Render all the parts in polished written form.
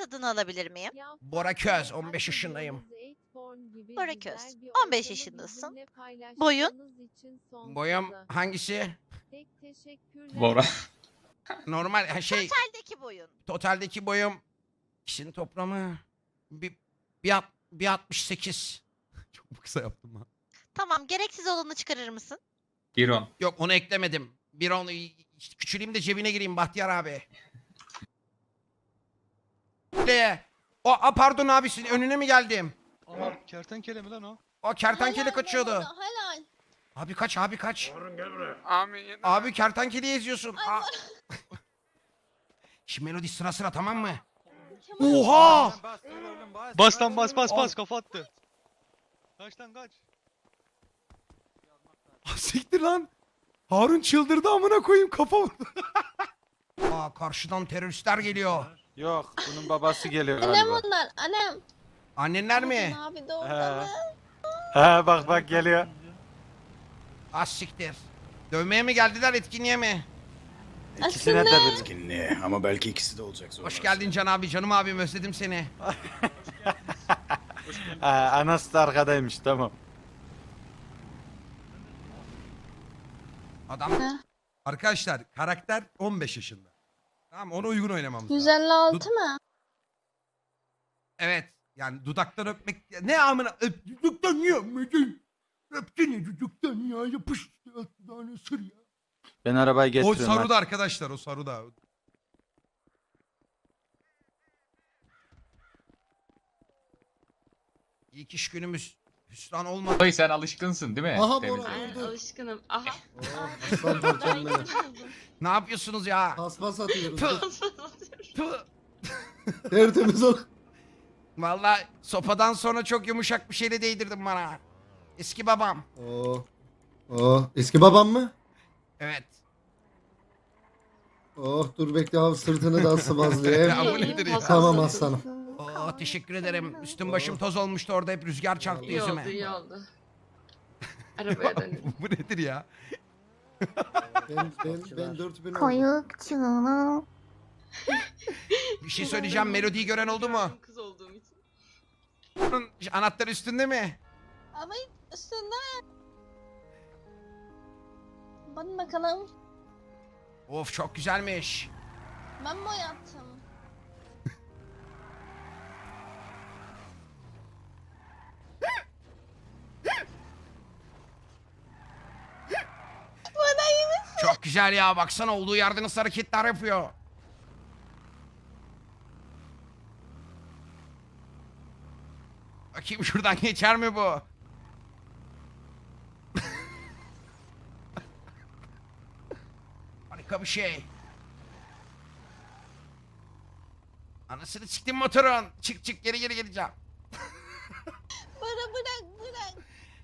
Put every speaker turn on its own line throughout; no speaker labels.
adını alabilir miyim?
Bora Köz, 15 yaşındayım.
Bora Köz, 15 yaşındasın. Boyun?
Boyum hangisi?
Bora.
Normal şey,
Totaldeki boyun.
totaldeki boyum kişinin toplamı bir 68. Çok kısa yaptım ha.
Tamam, gereksiz olanı çıkarır mısın?
Giron.
Yok, onu eklemedim. Bir onu küçüleyim de cebine gireyim Bahtiyar abi. Pardon abi, sizin önüne mi geldim?
Aha kertenkele mi lan o?
O kertenkele kaçıyordu.
Helal.
Abi kaç, abi kaç.
Amin.
Abi kertenkeleyi eziyorsun. Şimdi melodi sıra sıra, tamam mı? Oha!
Bas lan bas kafa attı. Kaç lan kaç.
Siktir lan. Harun çıldırdı, amına koyayım, kafa vurdu. Karşıdan teröristler geliyor.
Yok, bunun babası geliyor
Annem
galiba.
onlar. Annem.
Annenler mi?
Abi de orada mı?
He bak geliyor.
Siktir. Dövmeye mi geldiler, etkinliğe mi?
İkisine de bir.
Etkinliğe ama belki ikisi de olacak sonra.
Hoş geldin Can abi, canım abim, özledim seni.
Anası da arkadaymış, tamam.
Adam. Arkadaşlar, karakter 15 yaşında. Tamam, ona uygun oynamamız lazım.
156 mı?
Evet. Yani dudaktan öpmek... Ne amına... Dudaktan niye öpmedin? Öpsene dudaktan ya. Yapış. Tane sır ya.
Ben arabayı
O
getiriyorum.
Saruda arkadaşlar, o Saruda. İlk iş günümüz hüsran olmadı.
Dayı sen alışkınsın değil mi?
Aha
Temizliğe?
Bora öldü.
Alışkınım. Aha.
Aslan parçam benim.
Ne yapıyorsunuz ya?
Paspas atıyoruz.
Tüh, tüh.
Tertemiz ol.
Vallahi sopadan sonra çok yumuşak bir şeyle değdirdin bana. Eski babam.
Eski babam mı?
Evet.
Dur bekle abi, sırtını da sıvazlayayım.
Ya bu nedir ya?
Tamam aslanım.
Teşekkür ederim. Üstüm başım toz olmuştu orada, hep rüzgar çarptı yüzüme.
iyi oldu. Arabaya dönelim.
Bu nedir ya?
Ben 4000 oldum.
Koyukçuluğum.
Bir şey söyleyeceğim, melodiyi gören oldu mu?
Kız olduğum için.
Bunun anahtarı üstünde mi?
Ama üstünde. Bakın bakalım.
Of, çok güzelmiş.
Ben boyattım. Bana iyi misin?
Çok güzel ya, baksana, olduğu yerde nasıl hareketler yapıyor. Bakayım şuradan geçer mi bu? Harika bir şey. Anasını siktim motorun. Çık geri geleceğim.
Bana bırak.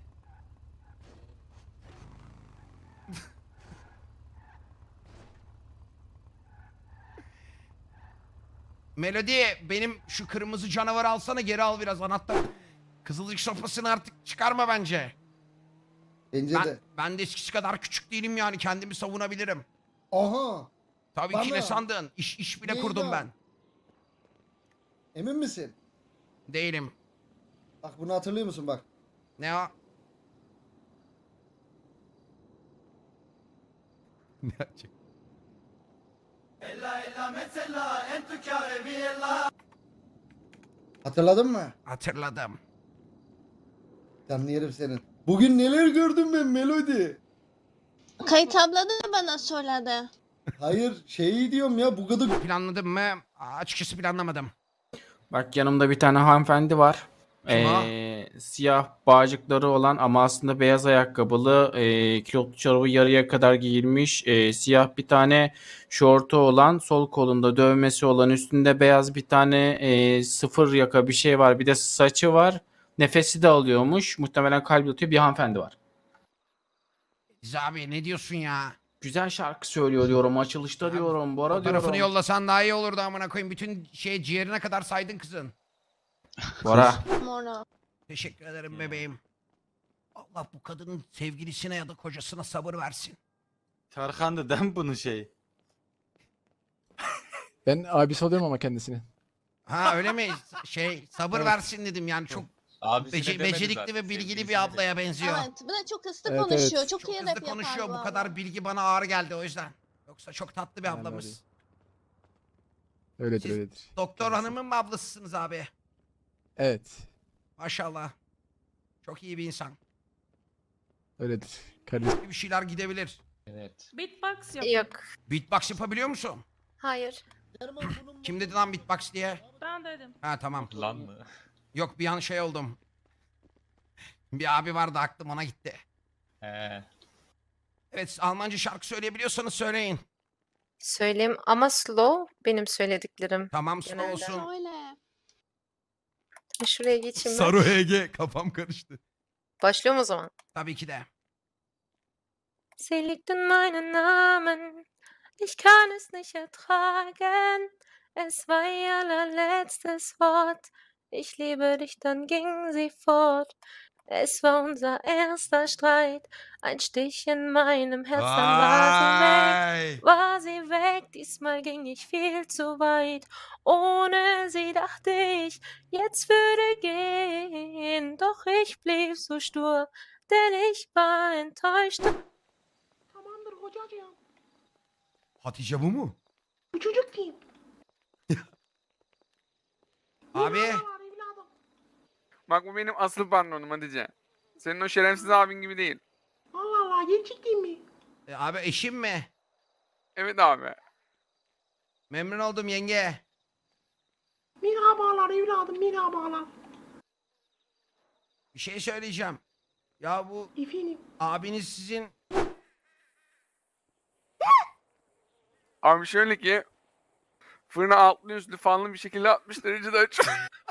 Melodi, benim şu kırmızı canavarı alsana, geri al biraz anahtar. Kızılcık sopasını artık çıkarma bence.
Bence de.
Ben de eskisi kadar küçük değilim yani, kendimi savunabilirim.
Aha.
Tabii ki,
Bana.
ne sandın? İş bile
Neydi
kurdum
o?
ben.
Emin misin?
Değilim.
Bak bunu hatırlıyor musun bak.
Ne o? Ne açık?
Hatırladın mı?
Hatırladım.
Canlı yerim senin. Bugün neler gördüm ben Melodi.
Kayıt abla da bana söyledi.
Hayır şeyi diyorum ya, bu kadar.
Planladım mı? Açıkçası planlamadım.
Bak yanımda bir tane hanımefendi var.
Kim o?
Siyah bağcıkları olan ama aslında beyaz ayakkabılı, kilotlu çorabı yarıya kadar giyilmiş, siyah bir tane şortu olan, sol kolunda dövmesi olan, üstünde beyaz bir tane sıfır yaka bir şey var. Bir de saçı var. Nefesi de alıyormuş. Muhtemelen kalbi atıyor bir hanımefendi var.
Biz abi, ne diyorsun ya?
Güzel şarkı söylüyor diyorum. Açılışta diyorum. Bora
Fotoğrafını
diyorum.
yollasan daha iyi olurdu, amına koyayım. Bütün ciğerine kadar saydın kızın.
Bora.
Mora.
Teşekkür ederim bebeğim. Allah bu kadının sevgilisine ya da kocasına sabır versin.
Tarkan'dı değil mi bunun şeyi?
Ben abisi oluyorum ama kendisini.
Ha öyle mi? Sabır
Evet.
versin dedim yani çok
Abisine demedi
becerikli
zaten,
ve bilgili
sevgilisine
bir ablaya benziyor.
Evet, bir de çok hızlı
Evet,
konuşuyor.
evet.
Çok
Çok
iyi
hızlı
rap yapar
konuşuyor. Bu
abla.
kadar bilgi bana ağır geldi o yüzden. Yoksa çok tatlı bir
Yani
ablamız.
Öyledir
Siz-
öyledir.
Doktor
Kendisi.
hanımın mı ablasısınız abi?
Evet.
Maşallah. Çok iyi bir insan.
Öyledir. Kardeşim.
Bir şeyler gidebilir.
Evet.
Beatbox yap.
Yok.
Beatbox yapabiliyor musun?
Hayır.
Kim dedi lan beatbox diye?
Ben dedim.
Ha tamam.
Lan mı?
Yok bir an şey oldum. Bir abi vardı aklım ona gitti.
He.
Evet Almanca şarkı söyleyebiliyorsanız söyleyin.
Söyleyeyim ama slow benim söylediklerim.
Tamam slow
Genelde.
olsun.
Öyle.
Şuraya geçeyim ben.
Saru HG kafam karıştı.
Başlıyorum o zaman.
Tabii ki de.
Sie liegt in meinen Namen. Ich kann es nicht ertragen. Es war ihr allerletztes Wort. Ich liebe dich, dann ging sie fort. Es war unser erster Streit. Ein Stich in meinem Herz, dann
Vay.
war sie weg. Diesmal ging ich viel zu weit. Ohne sie dachte ich, jetzt würde gehen. Doch ich blieb so stur, denn ich war enttäuscht.
Tamamdır kocacığım.
Hatice bu mu?
Bu çocuk kim?
Abi.
Evladım.
Bak bu benim asıl patronum Hatice. Senin o şerefsiz abin gibi değil.
Allah Allah gerçekten mi?
Abi eşim mi?
Evet abi.
Memnun oldum yenge.
Merhabalar evladım merhabalar.
Bir şey söyleyeceğim. Ya bu
Efendim.
abiniz sizin
Abi şöyle ki fırına altlı üstlü fanlı bir şekilde 60 derecede açıyor.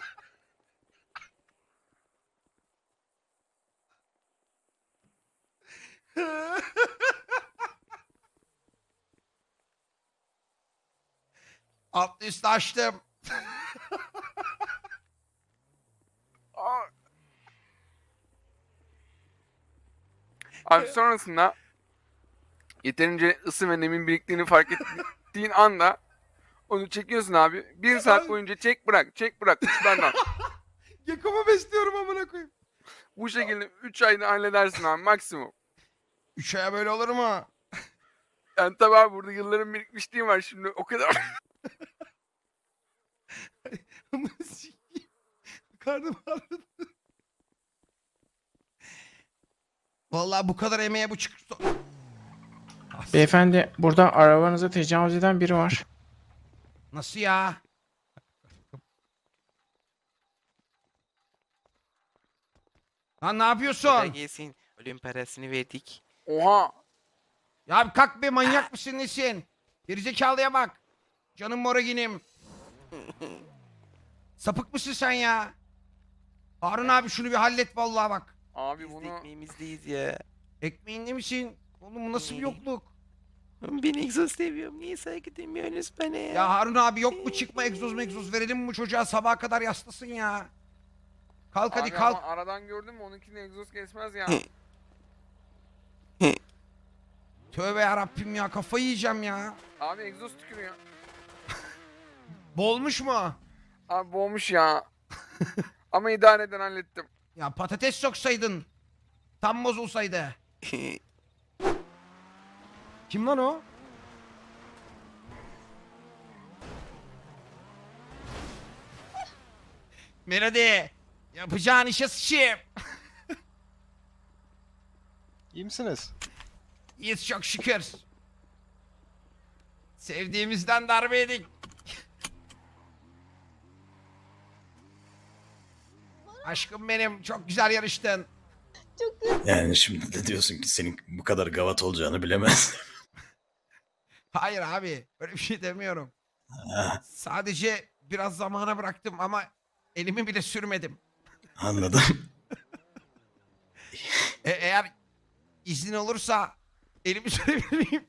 altlı üstü açtım.
Aa. Abi sonrasında yeterince ısı ve nemin biriktiğini fark ettiğin anda onu çekiyorsun abi. 1 saat boyunca çek bırak uçlardan.
Yakımı besliyorum amına koyayım.
Bu şekilde 3 ayda halledersin abi maksimum.
3 aya böyle olur mu?
Yani tabii abi burada yılların birikmişliği var şimdi o kadar.
Karnım ağrıdı. Vallahi bu kadar emeğe bu çıktı.
Beyefendi burada arabanıza tecavüz eden biri var.
Nasıl ya? Lan ne yapıyorsun?
Gelsin. Ölüm parasını verdik.
Oha.
Ya bir kalk be manyak mısın nesin? Gerizekalıya bak. Canım moraginim. Sapık mısın sen ya? Harun abi şunu bir hallet vallahi bak.
Abi
Biz de
bunu
ekmeğimizdeyiz ya.
Ekmeğinde misin? Oğlum bu nasıl bir yokluk?
Ben egzoz seviyorum. Niye saygı demiyorsunuz bana ya?
Ya Harun abi yok mu çıkma egzoz verelim mi bu çocuğa sabaha kadar yaslasın ya. Kalk hadi
abi
kalk.
ama aradan gördün mü onunkini egzoz kesmez ya.
Tövbe yarabbim ya kafayı yiyeceğim ya.
Abi egzoz tükürüyor.
Bolmuş mu?
Abi boğmuş ya. Ama idare eden hallettim.
Ya patates soksaydın. Tam bozulsaydı. Kim lan o? Melody. Yapacağın işe sıçayım.
İyi misiniz?
İyiyiz çok şükür. Sevdiğimizden darbe yedik. Aşkım benim çok güzel yarıştın.
Yani şimdi de diyorsun ki senin bu kadar gavat olacağını bilemez.
Hayır abi öyle bir şey demiyorum.
Ha,
Sadece biraz zamana bıraktım ama elimi bile sürmedim.
anladım.
Eğer izin olursa elimi sürebilir miyim?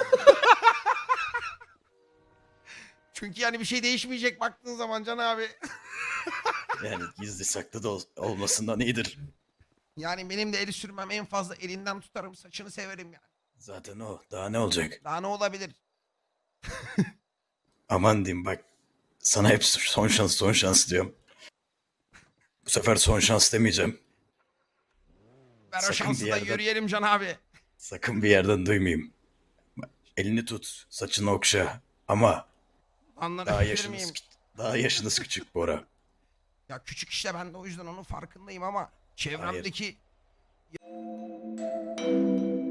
Çünkü yani bir şey değişmeyecek baktığın zaman Can abi.
Yani gizli saklı da olmasından iyidir.
Yani benim de eli sürmem en fazla elinden tutarım saçını severim yani.
Zaten o. Daha ne olacak?
Daha ne olabilir?
Aman diyeyim bak. Sana hep son şans son şans diyorum. Bu sefer son şans demeyeceğim.
Ver o
Sakın
şansı
bir
da
yerden-
yürüyelim Can abi.
Sakın bir yerden duymayayım. Elini tut, saçını okşa. Ama daha
Anlatabilir
yaşınız,
miyim?
daha yaşınız küçük Bora.
Ya küçük işte, ben de o yüzden onun farkındayım ama çevremdeki